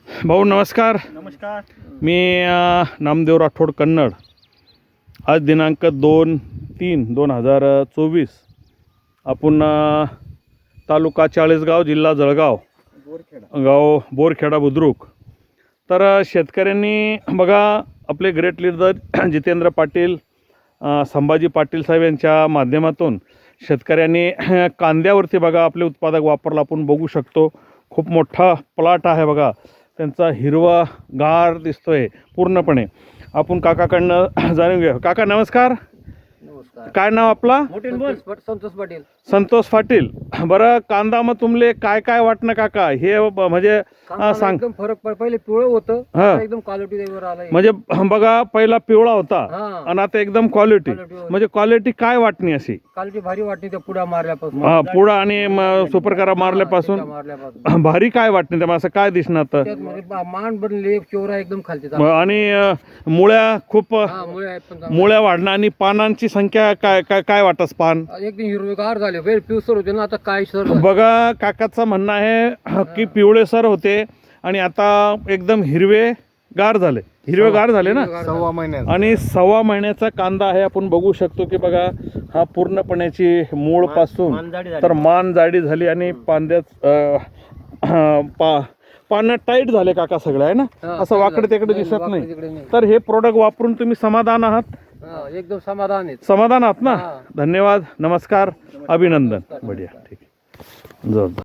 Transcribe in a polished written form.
भाऊ नमस्कार. नमस्कार. मी नामदेव राठोड कन्नड. आज दिनांक 2/3/2024 आपण तालुका चाळीसगाव जिल्हा जळगाव गाव बोरखेडा बुद्रुक. तर शेतकऱ्यांनी बघा आपले ग्रेट लीडर जितेंद्र पाटील संभाजी पाटील साहेब यांच्या माध्यमातून शेतकऱ्यांनी कांद्यावरती बघा आपले उत्पादक वापरला. आपण बघू शकतो खूप मोठा प्लॉट आहे बघा. त्यांचा हिरवा गार दिसतोय पूर्णपणे. आपण काकाकडनं जाणून घेऊ. काका नमस्कार. नमस्कार. काय नाव आपला? संतोष पाटील. संतोष पाटील. बरं कांदा मग तुमले काय काय वाटणं काका हे म्हणजे सांग. एकदम फरक पहिले पिवळं होतं, हा. आता एकदम क्वालिटी वर आलं. म्हणजे बघा पहिला पिवळा होता हा. आणि आता एकदम क्वालिटी. Quality म्हणजे क्वालिटी काय वाटणी अशी? क्वालिटी भारी वाटते त्या पुढा मारल्यापासून. पुढं आणि सुपर करा मारल्यापासून मारल्यापासून भारी काय वाटणे त्यामुळे असं काय दिसणार तर? त्यात मध्ये मान बनले चोरा एकदम खालती आणि मुळ्या खूप मुळे आहेत पण चांगले. मुळ्या वाढणं आणि पानांची संख्या काय काय काय वाटस पान? एकदम हिरवेगार झाले. वेळ पिवसर होते ना, आता काय सर बघा काकाचं म्हणणं आहे की पिवळेसर होते आणि आता एकदम हिरवेगार झाले. हिरवेगार झाले ना. 1.25 महिन्यात. आणि 1.25 महिन्याचा कांदा आहे. आपण बघू शकतो की बघा हा पूर्णपणेची मूळ पासून तर मान जाडी झाली आणि पानं टाईट झाले काका सगळं आहे ना. असं वाकडे तिकडे दिसत नाही. तर हे प्रोडक्ट वापरून तुम्ही समाधान आहात? एकदम समाधान आहे. समाधान आहात ना. हा. धन्यवाद. नमस्कार. अभिनंदन. बढिया. ठीक आहे. जोरदार.